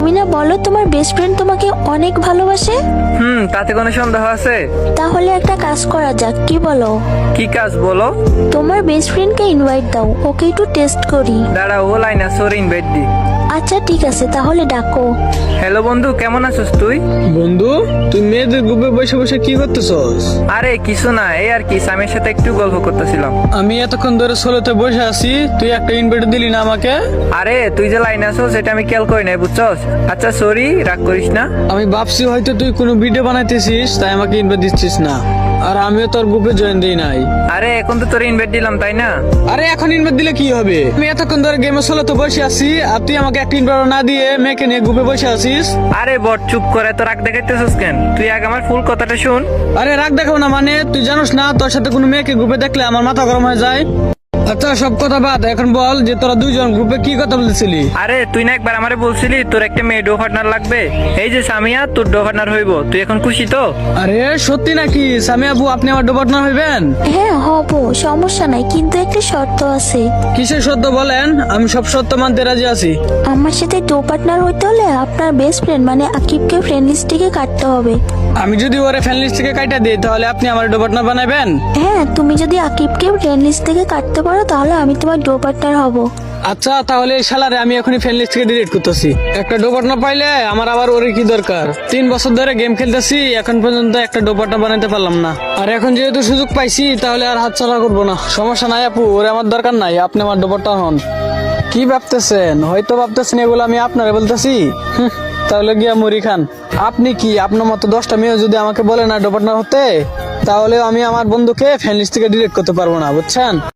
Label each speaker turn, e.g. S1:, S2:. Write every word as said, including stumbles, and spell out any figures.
S1: মিনা বলো, তোমার best friend তোমাকে অনেক ভালোবাসে?
S2: হুম, তাতে কোনো সন্দেহ আছে?
S1: তাহলে একটা কাজ করা যাক, কি বলো?
S2: কি কাজ বলো?
S1: তোমার বেস্ট ফ্রেন্ডকে ইনভাইট দাও, ওকে একটু টেস্ট করি।
S2: দাঁড়া, ও লাইন আছে, ওর ইনভাইট দি।
S1: আচ্ছা ঠিক আছে, তাহলে ডাকো।
S2: হ্যালো বন্ধু, কেমন আছিস তুই?
S3: বন্ধু, তুই মেয়েদের গ্রুপে বসে বসে কি করতেছস?
S2: আরে কিছু না, এই আর কি, স্বামীর সাথে একটু গল্প করতেছিলাম।
S3: আমি এতক্ষণ ধরে সোলোতে বসে আছি, তুই একটা ইনভাইট দিলি না আমাকে?
S2: আরে তুই যে লাইন আছো সেটা আমি খেয়াল করি নাই, বুঝছস? আচ্ছা সরি, রাগ করিস না।
S3: আমি ভাবছি হয়তো তুই কোনো ভিডিও বানাইতেছিস, তাই আমাকে ইনভাইট দিচ্ছিস না। আর আমিও তোর গ্রুপে জয়েন দিই নাই।
S2: আরে এখন তো তোর ইনভাইট দিলাম, তাই না?
S3: আরে এখন ইনভাইট দিলে কি হবে? আমি এতক্ষণ ধরে গেমে সোলোতে বসে আছি, আর তুই আমাকে একটা ইনভাইট না দিয়ে মেয়েকে নিয়ে গ্রুপে বসে আছিস।
S2: আরে বট, চুপ করে, তো রাগ দেখাইতেছিস কেন? তুই আগে আমার ফুল কথাটা শুন।
S3: আরে রাগ দেখাবো না মানে? তুই জানোস না তোর সাথে কোনো মেয়েকে গ্রুপে দেখলে আমার মাথা গরম হয়ে যায়। আচ্ছা সব কথা বাদ, এখন বল যে তোরা দুইজন গ্রুপে কি কথা বলছিলি?
S2: আরে তুই না একবার আমারে বলছিলি তোর একটা মেয়ে ডো পার্টনার লাগবে? এই যে সামিয়া তোর ডো পার্টনার হইব, তুই এখন খুশি তো?
S3: আরে সত্যি নাকি সামিয়া আপু, আপনি আমার ডো পার্টনার হইবেন?
S1: হ্যাঁ হব, সমস্যা নাই, কিন্তু একটা শর্ত আছে।
S3: কিসের সত্য বলেন? আমি সব সত্য মানতে রাজি আছি।
S1: আমার সাথে ডো পার্টনার হইতে হলে আপনার বেস্ট ফ্রেন্ড মানে আকিবকে ফ্রেন্ড লিস্ট থেকে কাটতে হবে।
S3: আমি যদি ওরে ফ্যান লিস্ট থেকে কাটা দিই তাহলে আপনি আমার ডো পার্টনার বানাবেন?
S1: হ্যাঁ, তুমি যদি আকিবকে ফ্রেন্ড লিস্ট থেকে কাটতে পারো তাহলে আমি তোমার ডো পার্টনার হব।
S3: আচ্ছা তাহলে এই শালারে আমি এখনই ফ্যান লিস্ট থেকে ডিলিট করতেছি। একটা ডো পার্টনার পাইলে আমার আবার ওরে কি দরকার? তিন বছর ধরে গেম খেলতেছি, এখন পর্যন্ত একটা ডো পার্টনার বানাতে পারলাম না। আর এখন যেহেতু সুযোগ পাইছি তাহলে আর হাতছাড়া করবো না। সমস্যা নাই আপু, ওরে আমার দরকার নাই, আপনি আমার ডো পার্টনার হন। কি ভাবতেছেন? হয়তো ভাবতেছেন এগুলো আমি আপনারে বলতেছি। হুঁ, তাহলে গিয়া মুড়ি খান। আপনি কি আপনার মতো দশটা মেয়ে যদি আমাকে বলে না ডো পার্টনার হতে, তাহলে আমি আমার বন্ধুকে ফ্যান লিস্ট থেকে ডিলিট করতে পারবো না, বুঝছেন?